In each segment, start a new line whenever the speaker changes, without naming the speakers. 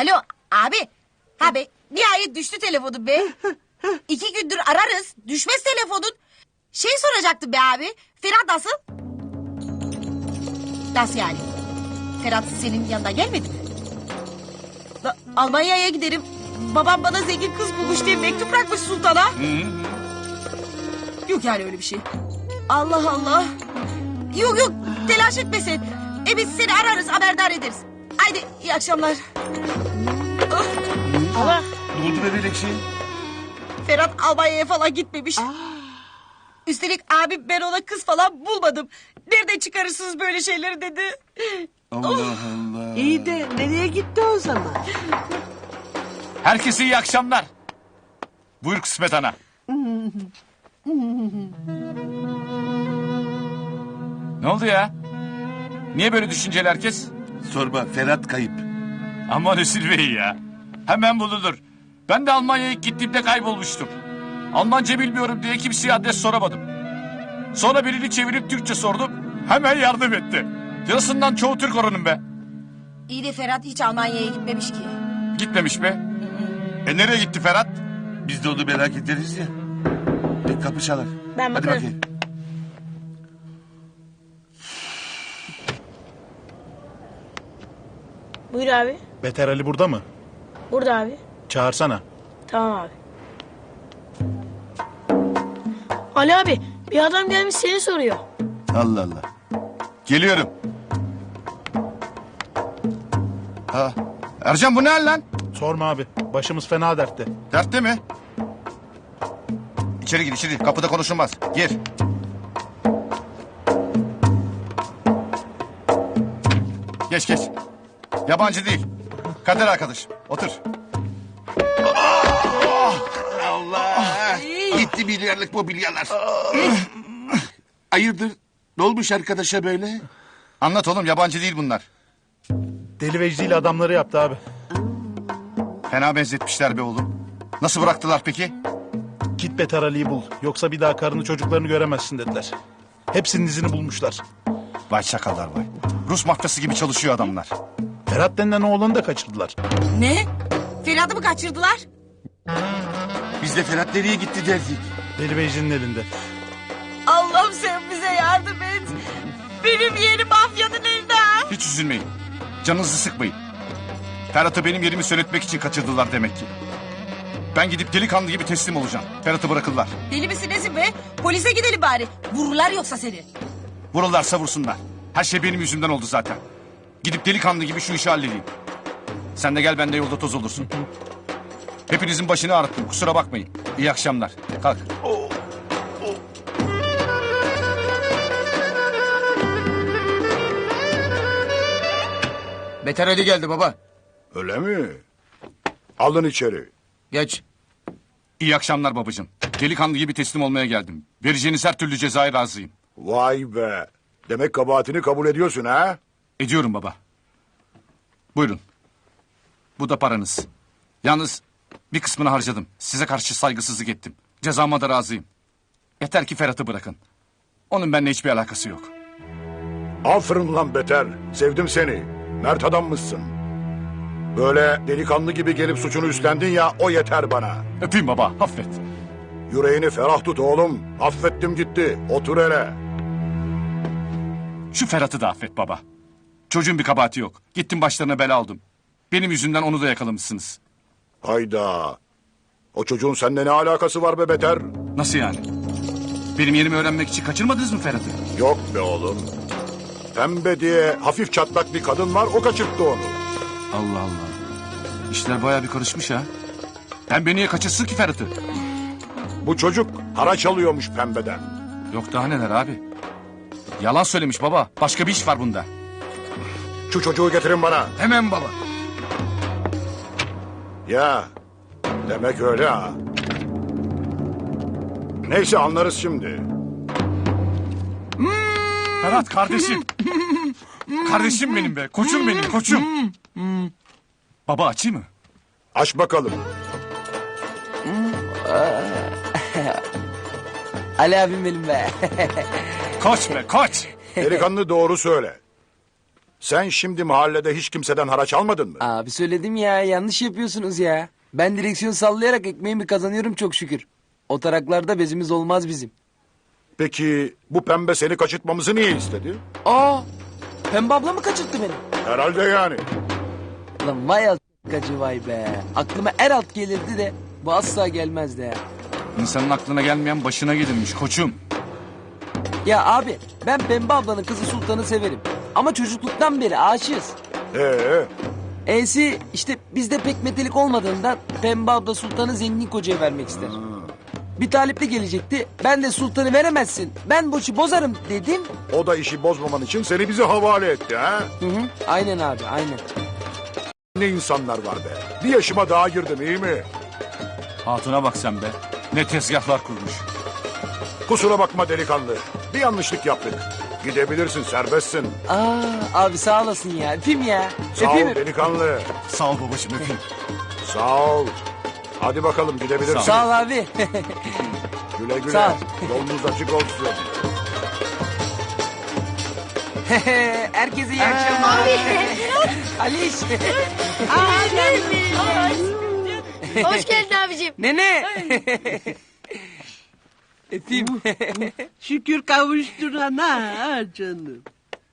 Alo abi. Abi nihayet düştü telefonum be. 2 gündür ararız. Düşmez telefonun. Şey soracaktım be abi. Ferhat nasıl? Nasıl yani? Ferhat senin yanına gelmedi mi? Almanya'ya giderim. Babam bana zengin kız bulmuş diye mektup bırakmış sultana. Yok yani öyle bir şey. Allah Allah. Yok yok telaş etme sen. Biz seni ararız haberdar ederiz. Haydi iyi akşamlar.
Allah.
Ne oldu be Melekşe?
Ferhat Almanya'ya falan gitmemiş. Üstelik abim ben ona kız falan bulmadım. Nereden çıkarırsınız böyle şeyleri dedi.
Allah Allah.
İyi de nereye gitti o zaman?
Herkese iyi akşamlar. Buyur Kısmet Ana. Ne oldu ya? Niye böyle düşünceli herkes?
Sorma, Ferhat kayıp.
Aman Hüsnü Bey ya. Hemen bulunur. Ben de Almanya'ya ilk gittiğimde kaybolmuştum. Almanca bilmiyorum diye kimseye adres soramadım. Sonra birini çevirip Türkçe sordum. Hemen yardım etti. Yarısından çoğu Türk oranın be.
İyi de Ferhat hiç Almanya'ya gitmemiş ki.
Gitmemiş be. Nereye gitti Ferhat?
Biz de onu merak ederiz ya. Bir kapı çalar.
Ben
Hadi
bakarım.
bakayım.
Buyur abi.
Beter Ali burada mı?
Burada abi.
Çağırsana.
Tamam abi. Ali abi bir adam gelmiş seni soruyor.
Allah Allah.
Geliyorum. Ha, Ercan bu ne hal lan?
Sorma abi. Başımız fena dertte.
Dertte mi? İçeri gir içeri. Kapıda konuşulmaz. Gir. Geç geç. Yabancı değil. Kader arkadaş. Otur.
Allah. Gitti milyarlık mobilyalar. Hayırdır? Ne olmuş arkadaşa böyle?
Anlat oğlum yabancı değil bunlar.
Deli Vecdi ile adamları yaptı abi.
Fena benzetmişler be oğlum. Nasıl bıraktılar peki?
Git Beter Ali'yi bul. Yoksa bir daha karını çocuklarını göremezsin dediler. Hepsinin izini bulmuşlar.
Vay çakallar vay. Rus mafyası gibi çalışıyor adamlar.
Ferhat denilen oğlanı da kaçırdılar.
Ne? Ferhat'ı mı kaçırdılar?
Biz de Ferhat nereye gitti derdik.
Deli Vecdi'nin elinde.
Allah'ım sen bize yardım et. Benim yeğenim mafyanın elinde.
Hiç üzülmeyin. Canınızı sıkmayın. Ferhat'ı benim yerimi söyletmek için kaçırdılar demek ki. Ben gidip delikanlı gibi teslim olacağım. Ferhat'ı bırakırlar.
Deli misin nesin be? Polise gidelim bari. Vururlar yoksa seni.
Vururlarsa vursunlar. Her şey benim yüzümden oldu zaten. Gidip delikanlı gibi şu işi halledeyim. Sen de gel ben de yolda toz olursun. Hepinizin başını ağrıttım kusura bakmayın. İyi akşamlar. Kalk.
Beter Ali geldi baba.
Öyle mi? Alın içeri.
Geç.
İyi akşamlar babacığım. Delikanlı gibi teslim olmaya geldim. Vereceğiniz her türlü cezaya razıyım.
Vay be. Demek kabahatini kabul ediyorsun ha?
Ediyorum baba. Buyurun. Bu da paranız. Yalnız bir kısmını harcadım. Size karşı saygısızlık ettim. Cezama da razıyım. Yeter ki Ferhat'ı bırakın. Onun benimle hiçbir alakası yok.
Aferin lan Beter. Sevdim seni. Mert adammışsın. Böyle delikanlı gibi gelip suçunu üstlendin ya o yeter bana.
Öpeyim baba affet.
Yüreğini ferah tut oğlum. Affettim gitti. Otur hele.
Şu Ferhat'ı da affet baba. Çocuğun bir kabahati yok. Gittim başlarına bela aldım. Benim yüzümden onu da yakalamışsınız.
Hayda. O çocuğun seninle ne alakası var be Beter?
Nasıl yani? Benim yerimi öğrenmek için kaçırmadınız mı Ferhat'ı?
Yok be oğlum. Pembe diye hafif çatlak bir kadın var o kaçırttı onu.
Allah Allah. İşler bayağı bir karışmış ha. Pembe niye kaçırsın ki Ferhat'ı?
Bu çocuk haraç alıyormuş pembeden.
Yok daha neler abi. Yalan söylemiş baba. Başka bir iş var bunda.
Şu çocuğu getirin bana.
Hemen baba.
Ya demek öyle ha. Neyse anlarız şimdi.
Ferhat kardeşim. Kardeşim benim be. Koçum benim koçum. Baba açayım mı?
Aç bakalım.
Ali abim benim be.
Koç be koç.
Delikanlı doğru söyle. Sen şimdi mahallede hiç kimseden haraç almadın mı?
Abi söyledim ya, yanlış yapıyorsunuz ya. Ben direksiyon sallayarak ekmeğimi kazanıyorum çok şükür. O taraklarda bezimiz olmaz bizim.
Peki bu pembe seni kaçırtmamızı niye istedi?
Aa, Pembe abla mı kaçırttı beni?
Herhalde yani.
Lan vay alt***cı vay be. Aklıma er alt gelirdi de bu asla gelmezdi ya.
İnsanın aklına gelmeyen başına gelirmiş koçum.
Ya abi ben Pembe ablanın kızı Sultan'ı severim. Ama çocukluktan beri aşığız. E'si işte bizde pek metelik olmadığından Pembe abla Sultan'ı zengin kocaya vermek ister. Bir talipli gelecekti. Ben de Sultan'ı veremezsin. Ben bu işi bozarım dedim.
O da işi bozmaman için seni bize havale etti ha?
Hı hı. Aynen abi aynen.
Ne insanlar var be. Bir yaşıma daha girdim iyi mi?
Hatuna bak sen be. Ne tezgahlar kurmuş.
Kusura bakma delikanlı. Bir yanlışlık yaptık. Gidebilirsin serbestsin.
Aa abi sağ olasın ya. Öpeyim ya.
Sağ ol
Öpeyim.
delikanlı.
Sağ ol babacığım öpeyim.
Sağ ol. Hadi bakalım gidebilirsin.
Sağ ol abi.
Güle güle.
Sağ ol.
Yolunuz açık olsun.
Herkese iyi akşamlar. Aliş.
Hoş geldin abicim.
Nene. Öpeyim.
Şükür kavuşturana canım.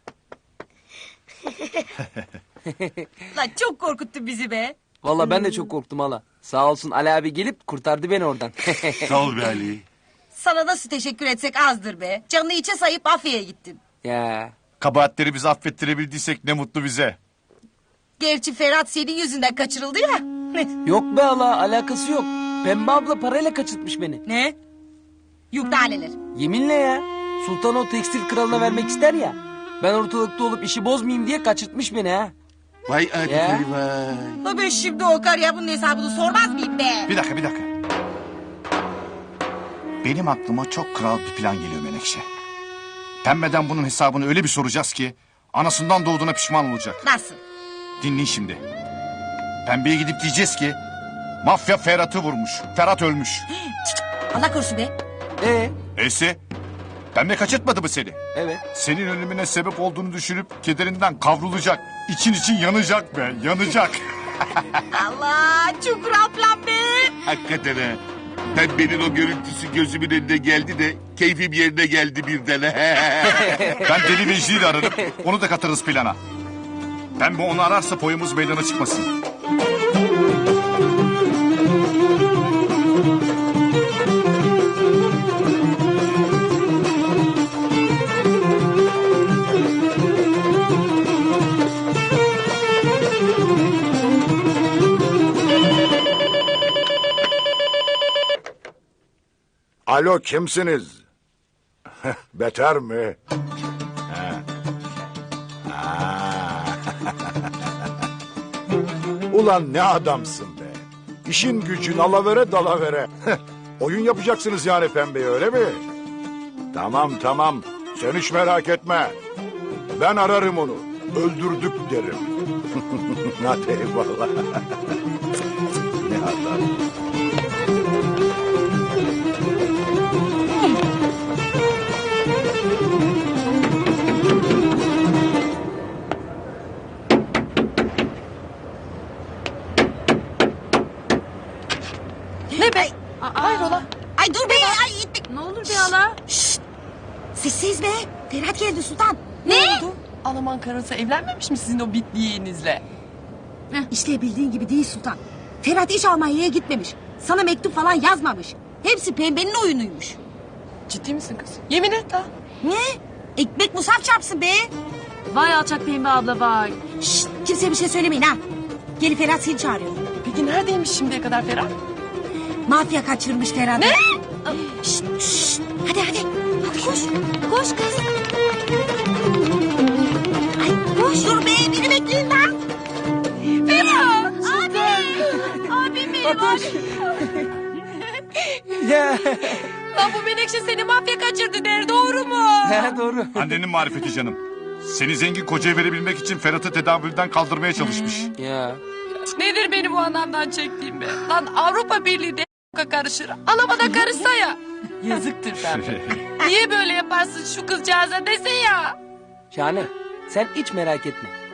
Lan çok korkuttun bizi be.
Valla ben de çok korktum hala. Sağ olsun Ali abi gelip kurtardı beni oradan.
Sağ ol be Ali.
Sana nasıl teşekkür etsek azdır be. Canını içe sayıp Afya'ya gittin.
Ya.
Kabahatleri bizi affettirebildiysek ne mutlu bize.
Gerçi Ferhat senin yüzünden kaçırıldı ya.
Yok be hala alakası yok. Pembe abla parayla kaçırtmış beni.
Ne? Yük taneler.
Yeminle ya. Sultan o tekstil kralına vermek ister ya. Ben ortalıkta olup işi bozmayayım diye kaçırtmış beni ha.
Vay Ali
Ya.
vay.
La ben şimdi o karıya bunun hesabını sormaz mıyım be?
Bir dakika. Benim aklıma çok kral bir plan geliyor Menekşe. Pembeden bunun hesabını öyle bir soracağız ki... ...anasından doğduğuna pişman olacak.
Nasıl?
Dinleyin şimdi. Pembeye gidip diyeceğiz ki... ...mafya Ferhat'ı vurmuş. Ferhat ölmüş.
Allah korusun be.
Neyse. Pembe kaçırtmadı mı seni?
Evet.
Senin ölümüne sebep olduğunu düşünüp kederinden kavrulacak. İçin yanacak be, yanacak.
Allah çok kral plan be.
Hakikaten ha. Pembenin o görüntüsü gözümün önüne geldi de keyfim yerine geldi birden.
Ben Deli Vecdi'yi de ararım. Onu da katarız plana. Pembe onu ararsa boyumuz meydana çıkmasın.
Alo kimsiniz? Beter mi? Ulan ne adamsın be. İşin gücün alavere dalavere. Oyun yapacaksınız yani pembeye öyle mi? Tamam. Sen hiç merak etme. Ben ararım onu. Öldürdük derim. Hadi eyvallah. Ne adam.
Ne be? Hayrola? Ay dur be. Ay itme.
Ne olur bir hala?
Şşt. Sessiz be. Ferhat geldi Sultan.
Ne?
oldu?
Alaman karısı evlenmemiş mi sizin o bitliğinizle?
İşte bildiğin gibi değil Sultan. Ferhat hiç Almanya'ya gitmemiş. Sana mektup falan yazmamış. Hepsi pembenin oyunuymuş.
Ciddi misin kız? Yemin et ha.
Ne? Ekmek musaf çarpsın be.
Vay alçak pembe abla vay.
Şşt. Kimseye bir şey söylemeyin ha. Geri Ferhat seni çağırıyor.
Peki neredeymiş şimdiye kadar Ferhat?
Mafya kaçırmış Ferhat'ı.
Ne?
Şşt. Hadi. Hadi koş. Koş kız. Ay koş. Dur be. Beni bekleyin lan.
Ferhat! Abi! Abim benim abim.
Ya.
Lan bu Menekşe seni mafya kaçırdı der doğru mu?
Ha, doğru.
Annenin marifeti canım. Seni zengin kocaya verebilmek için Ferhat'ı tedavülden kaldırmaya çalışmış.
Ya.
Nedir benim bu anamdan çektiğim be? Lan Avrupa Birliği de karışır. Alamada karışsa ya. Yazıktır pembe. Niye böyle yaparsın şu kızcağıza dese ya?
Şahane. Sen hiç merak etme.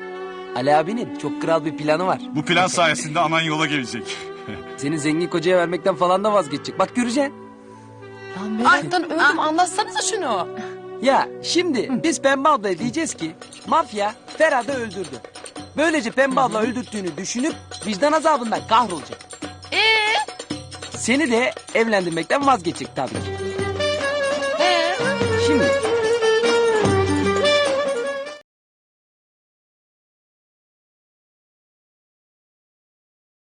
Ali abinin çok kral bir planı var.
Bu plan sayesinde anan yola gelecek.
Seni zengin kocaya vermekten falan da vazgeçecek. Bak göreceksin.
Lan meraktan öldüm anlatsanıza şunu.
Ya şimdi biz Pembe ablaya diyeceğiz ki mafya Ferhat'ı öldürdü. Böylece Pembe abla öldürttüğünü düşünüp vicdan azabından kahrolacak. Seni de evlendirmekten vazgeçecek tabii ki.